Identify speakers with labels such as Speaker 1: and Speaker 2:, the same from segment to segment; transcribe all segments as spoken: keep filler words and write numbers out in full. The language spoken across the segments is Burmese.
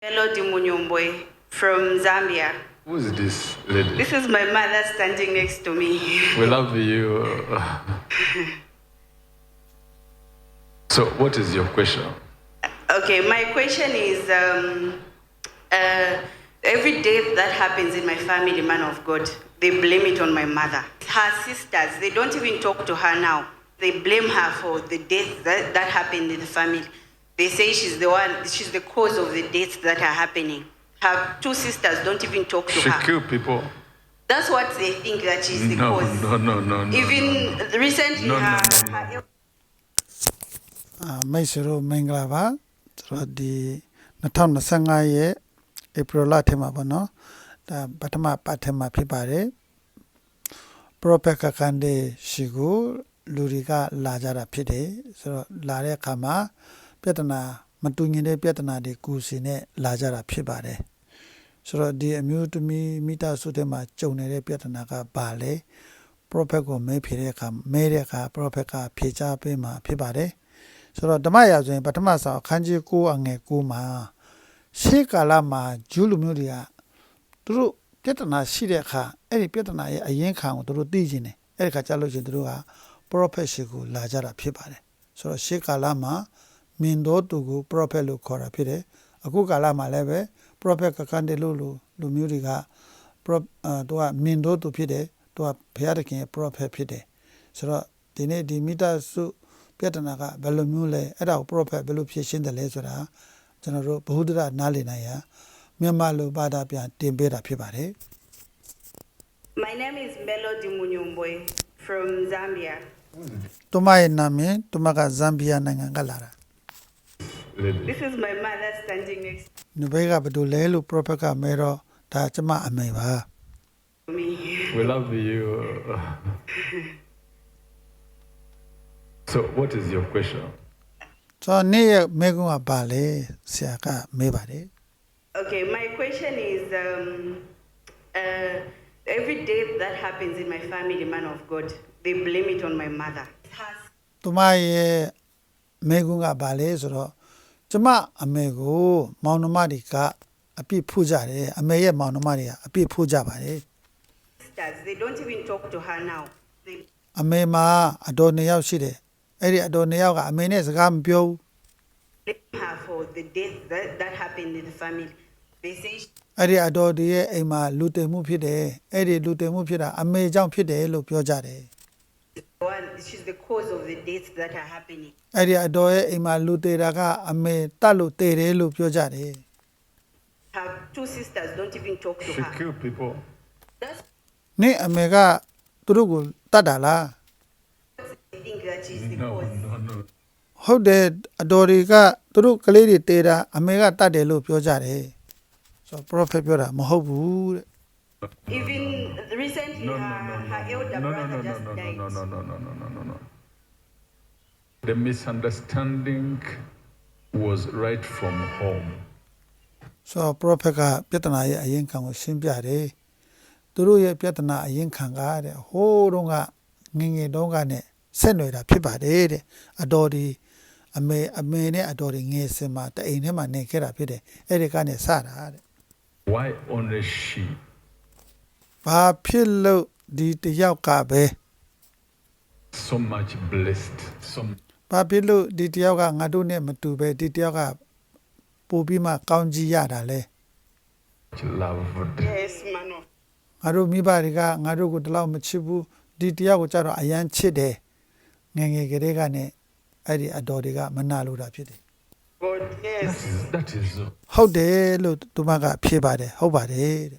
Speaker 1: Melody Munyomboe from Zambia.
Speaker 2: Who is this lady?
Speaker 1: This is my mother standing next to me.
Speaker 2: We love you. So, what is your question?
Speaker 1: Okay, my question is um, uh, every death that happens in my family, man of God, they blame it on my mother. Her sisters, they don't even talk to her now. They blame her for the death that, that happened in the family. They say she's the one, she's the cause of the deaths that are happening. Her two sisters don't even talk to
Speaker 2: She
Speaker 1: her.
Speaker 2: killed people.
Speaker 1: That's what they think that she's the
Speaker 2: No,
Speaker 1: cause.
Speaker 2: no, no, no, no.
Speaker 1: Even
Speaker 2: no, no.
Speaker 1: recently,
Speaker 2: No, no,
Speaker 1: her,
Speaker 2: no, no.
Speaker 1: her
Speaker 3: မိတ်ဆွေတို့မင်္ဂလာပါဆိုတော့ဒီtwenty twenty-fiveရဲ့ April လထဲမှာပေါ့နော်ဒါပထမပတ်ထဲမှာဖြစ်ပါတယ် Prophet ကကန်ဒေရှိကိုလူတွေကလာကြတာဖြစ်တယ်ဆိုတော့လာတဲ့အခါမှာပြဿနာမတူညီတဲ့ပြဿနာတွေကူစီနဲ့လာကြတာဖြစ်ပါတယ်ဆိုတော့ဒီအမျိုးသမီးမိသားစုထဲမှာကြုံနေတဲ့ပြဿနာကဘာလဲ Prophet ကိုမဲဖြေတဲ့အခါမဲတဲ့အခါ Prophet ကဖြေချပေးမှာဖြစ်ပါတယ်ဆိုတော့ဓမ္မရာဆိုရင်ပထမဆောင်အခန်းကြီးnineအငယ်nineမှာရှေးကာလမှာဂျူးလူမျိုးတွေကသူတို့ပြဿနာရှိတဲ့အခါအဲ့ဒီပြဿနာရဲ့အရင်ခံကိုသူတို့သိကျင်တယ်အဲ့ဒီခါကျလို့ရှိရင်သူတို့က prophet ရှိကိုလာကြတာဖြစ်ပါတယ်ဆိုတော့ရှေးကာလမှာမင်းတော်သူကို prophet လို့ခေါ်တာဖြစ်တယ်အခုကာလမှာလည်းပဲ prophet ကကန်တယ်လို့လူမျိုးတွေက prop သူကမင်းတော်သူဖြစ်တယ်သူကဘုရားသခင်ရဲ့ prophet ဖြစ်တယ်ဆိုတော့ဒီနေ့ဒီမိသားစုပြဿနာကဘယ်လိုမျိုးလဲအဲ့ဒါကို prophet ဘယ်လိုဖြေရှင်းတယ်လဲဆိုတာကျွန်တော်တို့ဘ ഹു ဒရနားလည်နိုင်ရမြန်မာလိုဘာသာပြန်တင်ပေးတာဖြစ်ပါတယ်
Speaker 1: My name is Melody Munyomboe from Zambia.
Speaker 3: သူမရဲ့နာမည်သူမကဇမ်ဘီယာနိုင်ငံကလာတာ
Speaker 2: Lady.
Speaker 1: This is my mother standing next
Speaker 3: ဒီဘက်ကဘယ်လိုလဲလို့ prophet ကမဲတော့ဒါကျမအမေပါ
Speaker 1: to me.
Speaker 2: We love you. So, what is your question?
Speaker 3: ဆိုတော့နေ့ရဲ့မဲကုန်းကပါလေဆရာကမဲပါတယ်
Speaker 1: Okay, my question is um, uh, every death that happens in my family, man of God, they blame it on my mother. Has
Speaker 3: သူမရဲ့မဲကုန်းကပါလေဆိုတော့ကျမအမေကိုမောင်နှမတွေကအပြစ်ဖူးကြတယ်အမေရဲ့မောင်နှမတွေကအပြစ်ဖူးကြပါတယ်
Speaker 1: sisters, they don't even talk to her now. They
Speaker 3: အမေမှာအတော်နှစ်ယောက်ရှိတယ်အဲ့ဒီအတော်နှစ်ယောက်ကအမေနဲ့စကားမပြောဘူး
Speaker 1: blame her for the death that, that happened in the family. They say she's
Speaker 3: အဲ့ဒီအတော်ဒီရဲ့အိမ်မှာလူတင်မှုဖြစ်တယ်အဲ့ဒီလူတင်မှုဖြစ်တာအမေကြောင့်ဖြစ်တယ်လို့ပြောကြတယ်
Speaker 1: the one, she's the cause of the deaths that are happening.
Speaker 3: အဲ့ဒီအတော်ရဲ့အိမ်မှာလူတေတာကအမေတတ်လို့တေတယ်လို့ပြောကြတယ်
Speaker 1: Her two sisters don't even talk to
Speaker 2: She
Speaker 1: her.
Speaker 2: killed people.
Speaker 1: That's
Speaker 3: နင့်အမေကသူတို့ကိုတတ်တာလား
Speaker 1: they think that she's the
Speaker 2: No,
Speaker 1: cause.
Speaker 2: no, no.
Speaker 3: ဟုတ်တယ်အတော်တွေကသူတို့ကလေးတွေတေတာအမေကတတ်တယ်လို့ပြောကြတယ်ဆိုတော့ prophet ပြောတာမဟုတ်ဘူးတဲ့
Speaker 1: Even recently,
Speaker 2: No, no,
Speaker 1: her,
Speaker 2: no, no,
Speaker 1: her elder
Speaker 2: no, no,
Speaker 1: brother
Speaker 2: no, no,
Speaker 1: just
Speaker 2: no,
Speaker 1: died.
Speaker 2: no, no, no, no, no, no, no, no. The misunderstanding was right from home.
Speaker 3: ဆိုတော့ prophet ကပြဿနာရဲ့အရင်ခံကိုရှင်းပြတယ်သူတို့ရဲ့ပြဿနာအရင်ခံကတဲ့ဟိုးတုန်းကငငယ်တုန်းကနဲ့ဆက်နွယ်တာဖြစ်ပါတယ်တဲ့အတော်ဒီအမေအမေနဲ့အတော်ဒီငယ်စင်မှာတအိမ်ထဲမှာနေခဲ့တာဖြစ်တယ်အဲ့ဒီကနေစတာတဲ့
Speaker 2: Why only she?
Speaker 3: ဘာဖြစ်လို့ဒီတယောက်ကပဲ
Speaker 2: So much blessed. So
Speaker 3: ဘာဖြစ်လို့ဒီတယောက်ကငါတို့နဲ့မတူပဲဒီတယောက်ကပို့ပြီးမှကောင်းကြီးရတာလဲ
Speaker 2: much loved.
Speaker 1: Yes, man of
Speaker 3: ငါတို့မိဘတွေကငါတို့ကိုတလောက်မချစ်ဘူးဒီတယောက်ကိုကြတော့အယမ်းချစ်တယ်ငယ်ငယ်ကလေးကနဲ့အဲ့ဒီအတော်တွေကမနာလို့တာဖြစ်တယ်
Speaker 1: God. Yes.
Speaker 2: That is, that is so.
Speaker 3: ဟုတ်တယ်လို့သူမကဖြေပါတယ်ဟုတ်ပါတယ်တဲ့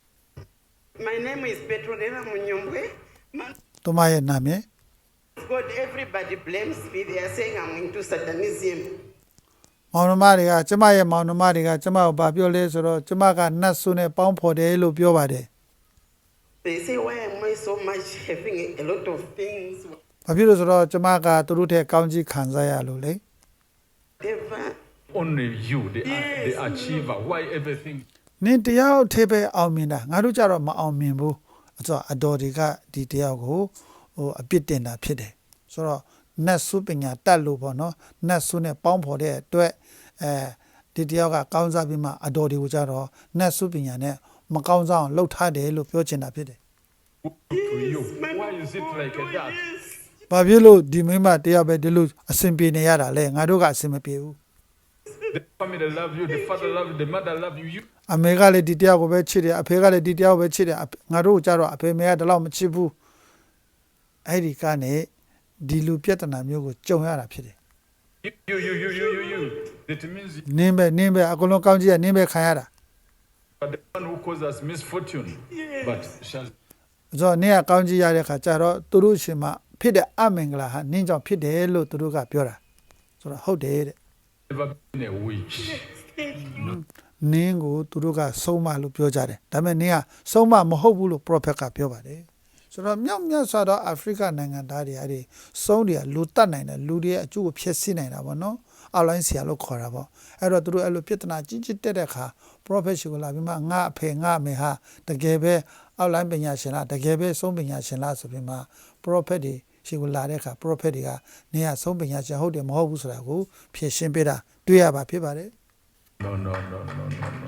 Speaker 1: My name is Petronella Munyomboe. Man
Speaker 3: သူမရဲ့နာမည်
Speaker 1: of God, everybody blames me. They are saying I'm into Satanism.
Speaker 3: မောင်နှမတွေကကျမရဲ့မောင်နှမတွေကကျမကိုဗာပြောလဲဆိုတော့ကျမကနတ်ဆုနဲ့ပေါင်းဖော်တယ်လို့ပြောပါတယ်
Speaker 1: They say, why am I so much having a lot of things?
Speaker 3: ဘာဖြစ်လို့ဆိုတော့ကျမကသူတို့ထက်ကောင်းကြီးခံစားရလို့လေ
Speaker 1: Whatever.
Speaker 2: Only you, the,
Speaker 1: Yes,
Speaker 2: the achiever. Why everything?
Speaker 3: နင်တယောက်ထေပဲအောင်မြင်တာငါတို့ကြတော့မအောင်မြင်ဘူးအဲ့တော့အတော်တွေကဒီတယောက်ကိုဟိုအပြစ်တင်တာဖြစ်တယ်ဆိုတော့နတ်ဆုပညာတတ်လို့ပေါ့နော်နတ်ဆုနဲ့ပေါင်းဖော်တဲ့အတွက်အဲဒီတယောက်ကကောင်းစားပြီးမှအတော်တွေကိုကြတော့နတ်စုပညာနဲ့မကောင်းစားအောင်လှုပ်ထားတယ်လို့ပြောချင်တာဖြစ်တယ်
Speaker 2: To you. Why is it like that?
Speaker 3: ။ဘာဖြစ်လို့ဒီမိမတယောက်ပဲဒီလိုအဆင်ပြေနေရတာလဲငါတို့ကအဆင်မပြေဘူး
Speaker 2: The family love you, the father love you, the mother love you. You
Speaker 3: ။အမေကလည်းဒီတယောက်ကိုပဲချစ်တယ်အဖေကလည်းဒီတယောက်ပဲချစ်တယ်ငါတို့ကြတော့အဖေမေကတလောက်မချစ်ဘူး။အဲ့ဒီကနေဒီလူပြဿနာမျိုးကိုကြုံရတာဖြစ်တယ်
Speaker 2: you you you you you you. That means you
Speaker 3: ။နင်းပဲနင်းပဲအကုန်လုံးကောင်းကြီးကနင်းပဲခံရတာ
Speaker 2: are the one who caused us misfortune. But shall
Speaker 3: ။ဆိုတော့နင်းကကောင်းကြီးရတဲ့ခါကျတော့သူတို့ရှင်မဖြစ်တဲ့အမင်္ဂလာဟာနင်းကြောင့်ဖြစ်တယ်လို့သူတို့ကပြောတာ။ဆိုတော့ဟုတ်တယ်တဲ့
Speaker 2: never been a witch.
Speaker 3: ။နင်းကိုသူတို့ကဆုံးမလို့ပြောကြတယ်။ဒါပေမဲ့နင်းကဆုံးမမဟုတ်ဘူးလို့ prophet ကပြောပါတယ်။ဆိုတော့မြောက်မြတ်စွာသောအာဖရိကနိုင်ငံသားတွေအဲ့ဒီဆုံးတွေကလူတတ်နိုင်တယ်လူတွေရဲ့အကျိုးကိုဖျက်ဆီးနိုင်တာပေါ့နော်။အောက်လိုင်းဆရာလို့ခေါ်တာပေါ့။အဲ့တော့သူတို့အဲ့လိုပြဿနာကြီးကြီးတက်တဲ့အခါ prophet ရှိကိုလာပြီးမှငါအဖေငါအမေဟာတကယ်ပဲအောက်လိုင်းပညာရှင်လားတကယ်ပဲဆုံးပညာရှင်လားဆိုပြီးမှ prophet တွေရှိကိုလာတဲ့အခါ prophet တွေကနေရဆုံးပညာရှင်ဟုတ်တယ်မဟုတ်ဘူးဆိုတာကိုဖြေရှင်းပေးတာတွေ့ရပါဖြစ်ပါတယ်
Speaker 2: No, no, no, no, no, no.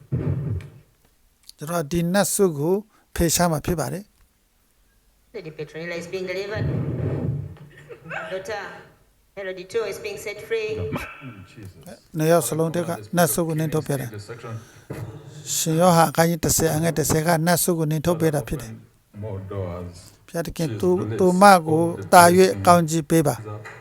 Speaker 3: ကျွန်တော်ဒီနတ်ဆုကိုဖေရှားမှာဖြစ်ပါတယ်
Speaker 4: Lady Petronilla is being delivered. Daughter Herodito is being set free.
Speaker 2: Jesus.
Speaker 3: နှစ်ယောက်စလုံးတက်ကနတ်ဆုကိုနင်းထုတ်ပြတယ်
Speaker 2: The section
Speaker 3: ရှင်ယောဟာအကိုင်း30အငယ်30ကနတ်ဆုကိုနင်းထုတ်ပြတာဖြစ်တယ်
Speaker 2: more doors.
Speaker 3: ဖျားတခင်သူသူမကိုတာ၍ကောင်းကြီးပေးပါ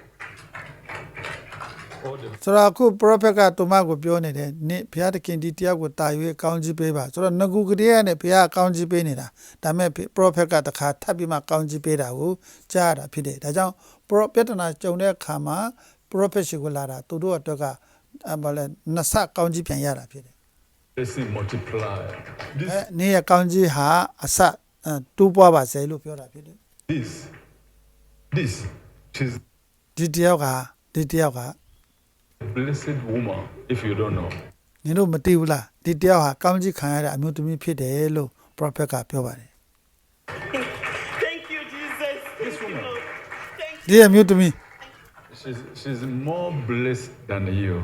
Speaker 2: All the
Speaker 3: ဆိုတော့အခု prophet ကသူမကိုပြောနေတယ်နိဘုရားသခင်ဒီတရားကိုတာ၍ကောင်းကြီးပေးပါဆိုတော့ငကူကလေးကနေဘုရားကောင်းကြီးပေးနေတာဒါပေမဲ့ prophet ကတခါထပ်ပြီးမှကောင်းကြီးပေးတာကိုကြားရတာဖြစ်တယ်ဒါကြောင့် prophet နာကြုံတဲ့အခါမှာ prophet ရှိကိုလာတာသူတို့အတွက်ကဘာလဲနှစ်ဆကောင်းကြီးပြန်ရတာဖြစ်တယ်
Speaker 2: blessing multiply.
Speaker 3: အဲ
Speaker 2: This,
Speaker 3: နေ့ရကောင်းကြီးဟာအစတူးပွားပါစေလို့ပြောတာဖြစ်တယ်
Speaker 2: this, this. She's
Speaker 3: ဒီတယောက်ကဒီတယောက်က
Speaker 2: a blessed woman. If you don't know,
Speaker 3: နင်တို့မသိဘူးလားဒီတယောက်ဟာကောင်းကြီးခံရတဲ့အမျိုးသမီးဖြစ်တယ်လို့ prophet ကပြောပါတယ်
Speaker 5: Thank you, Jesus.
Speaker 2: this woman,
Speaker 3: ဒီအမျိုးသမီး
Speaker 2: she's she's more blessed than you.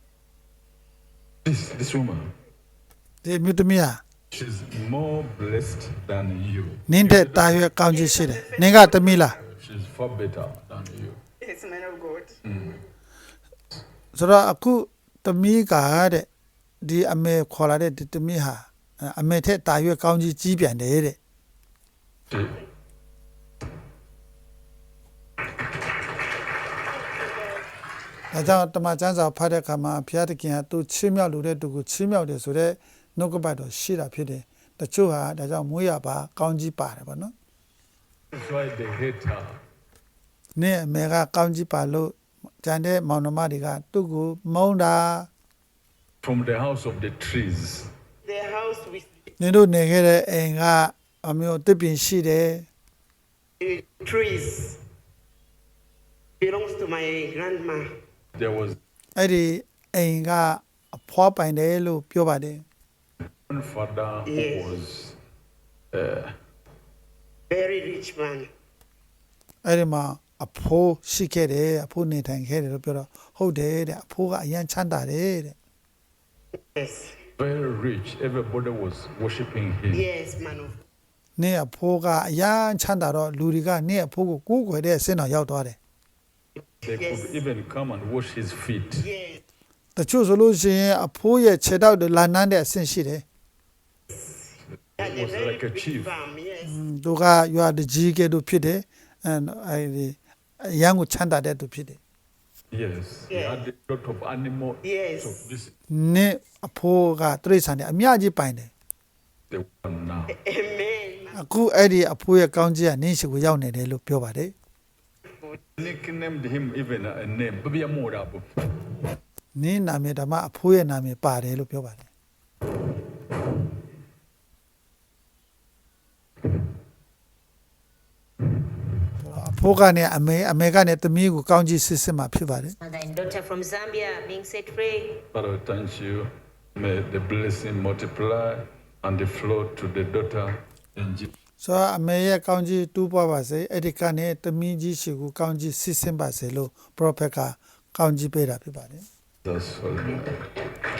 Speaker 2: This this woman,
Speaker 3: ဒီအမျိုးသမီးဟာ
Speaker 2: she's more blessed than you.
Speaker 3: နင်းတဲ့တာရွယ်ကောင်းကြီးရှိတယ်နင်ကသမီးလား
Speaker 2: She's far better than you.
Speaker 1: Yes, man of God.
Speaker 3: ဆိုတော့အခုသမီးကတဲ့ဒီအမေခေါ်လာတဲ့ဒီသမီးဟာအမေထက်တာရွယ်ကောင်းကြီးကြီးပြန်တယ်တဲ့
Speaker 2: She,
Speaker 3: ဒါကြောင့်တမန်ကျမ်းစာဖတ်တဲ့အခါမှာဘုရားသခင်ကသူချီးမြှောက်လို့တဲ့သူကိုချီးမြှောက်တယ်ဆိုတော့နှုတ်ကပတ်တော်ရှိတာဖြစ်တယ်တချို့ဟာဒါကြောင့်မွေးရပါကောင်းကြီးပါတယ်ဗောနော်
Speaker 2: that's why they hate her.
Speaker 3: နင့်အမေကကောင်းကြီးပါလို့ကျန်တဲ့မောင်နှမတွေကသူ့ကိုမုန်းတာ
Speaker 2: From the house of the trees.
Speaker 5: The house with
Speaker 3: နင်တို့နေခဲ့တဲ့အိမ်ကအမျိုးတစ်ပင်ရှိတယ်
Speaker 5: the trees belongs to my grandma.
Speaker 2: There was
Speaker 3: အဲ့ဒီအိမ်ကအဖွားပိုင်တယ်လို့ပြောပါတယ်
Speaker 2: one father who
Speaker 5: Yes.
Speaker 2: was uh,
Speaker 5: Very rich man.
Speaker 3: အဲ့ဒီမှာအဖိုးရှိခဲ့တယ်အဖိုးနေထိုင်ခဲ့တယ်လို့ပြောတော့ဟုတ်တယ်တဲ့အဖိုးကအရန်ချမ်းသာတယ်တဲ့
Speaker 5: Yes.
Speaker 2: very rich. Everybody was worshiping him.
Speaker 5: Yes, man of
Speaker 3: နင့်အဖိုးကအရန်ချမ်းသာတော့လူတွေကနင့်အဖိုးကိုကိုးကွယ်တဲ့အဆင့်တော်ရောက်သွားတယ်
Speaker 2: They
Speaker 5: Yes.
Speaker 2: could even come and wash his feet.
Speaker 5: Yes.
Speaker 3: တချို့ဆိုလို့ရှိရင်အဖိုးရဲ့ခြေထောက်တွေလာနမ်းတဲ့အဆင့်ရှိတယ်
Speaker 5: Had
Speaker 2: He
Speaker 5: a
Speaker 2: was
Speaker 5: very
Speaker 2: like a
Speaker 5: big
Speaker 2: chief.
Speaker 5: farm. Yes.
Speaker 3: သူကရွာတကြီးကဲ့သို့ဖြစ်တယ်အဲအဲ့ဒီအရန်ကိုချမ်းသာတဲ့သူဖြစ်တယ်
Speaker 2: Yes. He
Speaker 5: Yeah.
Speaker 2: had a lot of animal.
Speaker 5: Yes.
Speaker 2: So this is
Speaker 3: နင့်အဖိုးကတိရစ္ဆာန်တွေအများကြီးပိုင်တယ်
Speaker 2: the one now.
Speaker 5: Amen.
Speaker 3: အခုအဲ့ဒီအဖိုးရဲ့ကောင်းကြီးကနင်းရှိကိုရောက်နေတယ်လို့ပြောပါတယ်
Speaker 2: Nicknamed him even a name. Baby Amorabu.
Speaker 3: နင်းနာမည်ဓမ္မအဖိုးရဲ့နာမည်ပါတယ်လို့ပြောပါတယ်အဖိုးကနေအမေအမေကနေသမီးကိုကောင်းကြီးစစ်စစ်မှာဖြစ်ပါတယ်
Speaker 4: Mother and daughter from Zambia being set free.
Speaker 2: Father, we thank you. May the blessing multiply and the flow to the daughter. In Jesus'
Speaker 3: ဆိုတော့အမေရဲ့ကောင်းကြီးတူးပွားပါစေအဲ့ဒီကနေသမီးကြီးရှိကိုကောင်းကြီးစစ်စစ်ပါစေလို့ prophet ကကောင်းကြီးပေးတာဖြစ်ပါတယ်
Speaker 2: holy name.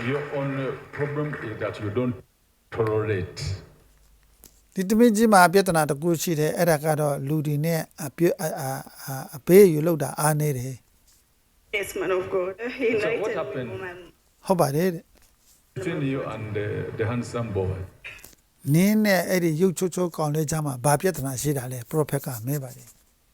Speaker 2: Your only problem is that you don't tolerate.
Speaker 3: ဒီတမင်းကြီးမှာပြဿနာတစ်ခုရှိတယ်အဲ့ဒါကတော့လူဒီနဲ့အပြအအဘေးယူလောက်တာအားနေတယ်
Speaker 1: Yes, man of God. He
Speaker 2: So what
Speaker 1: invited me
Speaker 2: happened?
Speaker 1: for my
Speaker 3: ဟုတ်ပါတယ်တဲ့
Speaker 2: Between you and the, the handsome boy.
Speaker 3: နင်းနဲ့အဲ့ဒီရုပ်ချိုးချိုးကောင်လေးကြားမှာဘာပြဿနာရှိတာလဲပရိုဖက်ကမဲပါတယ်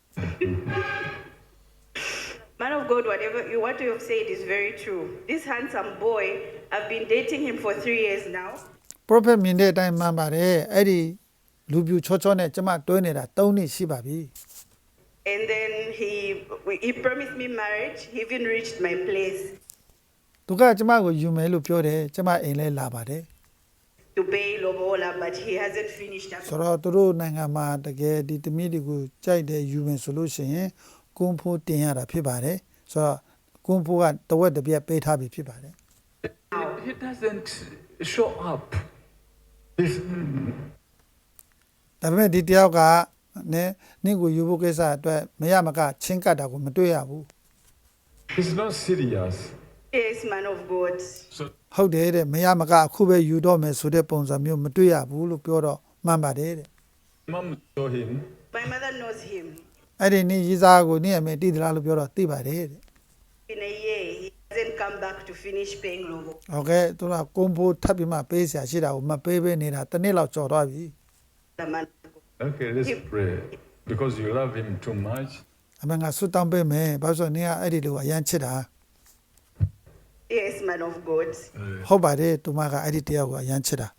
Speaker 1: Man of God, whatever you what you have said is very true. This handsome boy, I've been dating him for three years now.
Speaker 3: ပရိုဖက်မြင်တဲ့အတိုင်းမှန်ပါတယ်အဲ့ဒီလူပြူချောချောနဲ့ကျမတွဲနေတာ၃နှစ်ရှိပါပြီ
Speaker 1: And then he he promised me marriage. He even reached my place
Speaker 3: သူကကျမကိုယူမယ်လို့ပြောတယ်ကျမအိမ်လဲလာပါတယ်
Speaker 1: to pay lobola, but he hasn't finished up.
Speaker 3: ဆိုတော့သူတို့နိုင်ငံမှာတကယ်ဒီတမီးတွေကိုကြိုက်တယ်ယူမယ်ဆိုလို့ရှိရင်ကွန်ဖိုးတင်ရတာဖြစ်ပါတယ်ဆိုတော့ကွန်ဖိုးကတဝက်တစ်ပြက်ပေးထားပြီဖြစ်ပါတယ်
Speaker 2: He, he doesn't show up. He's,
Speaker 3: ဒါပေမဲ့ဒီတယောက်ကနဲ့နင့်ကိုယူဖို့ကိစ္စအတွက်မရမကချင်းကပ်တာကိုမတွေ့ရဘူး
Speaker 2: he's not serious.
Speaker 1: Yes, man of God.
Speaker 2: So
Speaker 3: ဟုတ်တယ်တဲ့မရမကအခုပဲယူတော့မယ်ဆိုတဲ့ပုံစံမျိုးမတွေ့ရဘူးလို့ပြောတော့မှန်ပါတယ်တဲ့
Speaker 2: mom saw him.
Speaker 1: My mother knows him.
Speaker 3: အဲ့ဒီနေ့ရေးစားကိုနေ့အမေတည်သလားလို့ပြောတော့သိပါတယ်တဲ့
Speaker 1: In a year, he hasn't come back to finish paying lobo.
Speaker 3: ဟုတ်ကဲ့သူကကွန်ဖိုးထပ်ပြီးမှပေးစရာရှိတာကိုမပေးပေးနေတာတစ်နေ့လောက်ကြော်သွားပြီ
Speaker 1: The man.
Speaker 2: Okay, let's pray. Because you love him too much.
Speaker 3: အမေငါဆွတ်တောင်းပေးမယ်ဘာလို့ဆိုနေကအဲ့ဒီလိုအရန်ချစ်တာ
Speaker 1: Yes, man of God.
Speaker 3: ဟုတ်ပါတယ်သူမကအဲ့ဒီတယောက်ကိုအရန်ချစ်တာ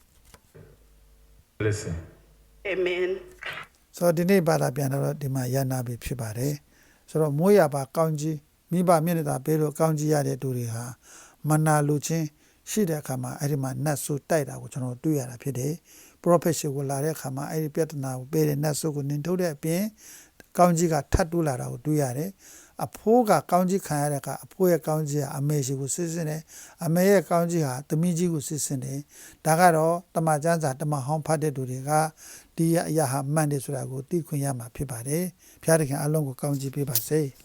Speaker 2: Listen.
Speaker 1: Amen.
Speaker 3: ဆိုတော့ဒီနေ့ဘာသာပြန်တော့ဒီမှာရန်နာပြီဖြစ်ပါတယ်ဆိုတော့မိုးရပါကောင်းကြီးမိဘမျက်နှာသာပေးလို့ကောင်းကြီးရတဲ့သူတွေဟာမနာလူချင်းရှိတဲ့အခါမှာအဲ့ဒီမှာနတ်ဆိုးတိုက်တာကိုကျွန်တော်တွေ့ရတာဖြစ်တယ်ပရိုဖက်ရှင်ကိုလာတဲ့အခါမှာအဲ့ဒီပြဿနာကိုပေးတဲ့နတ်ဆိုးကိုနင်ထုတ်တဲ့အပြင်ကောင်းကြီးကထပ်တူးလာတာကိုတွေ့ရတယ်အဖိုးကကောင်းကြီးခံရတဲ့အခါအဖိုးရဲ့ကောင်းကြီးကအမေရှိကိုစစ်စစ်တယ်အမေရဲ့ကောင်းကြီးဟာသမီးကြီးကိုစစ်စစ်တယ်ဒါကတော့တမန်ကျမ်းစာတမန်ဟောင်းဖတ်တဲ့သူတွေကဒီအရာဟာမှန်တယ်ဆိုတာကိုသိခွင့်ရမှာဖြစ်ပါတယ်ဖျားတခင်အလုံးကိုကောင်းကြီးပေးပါစေ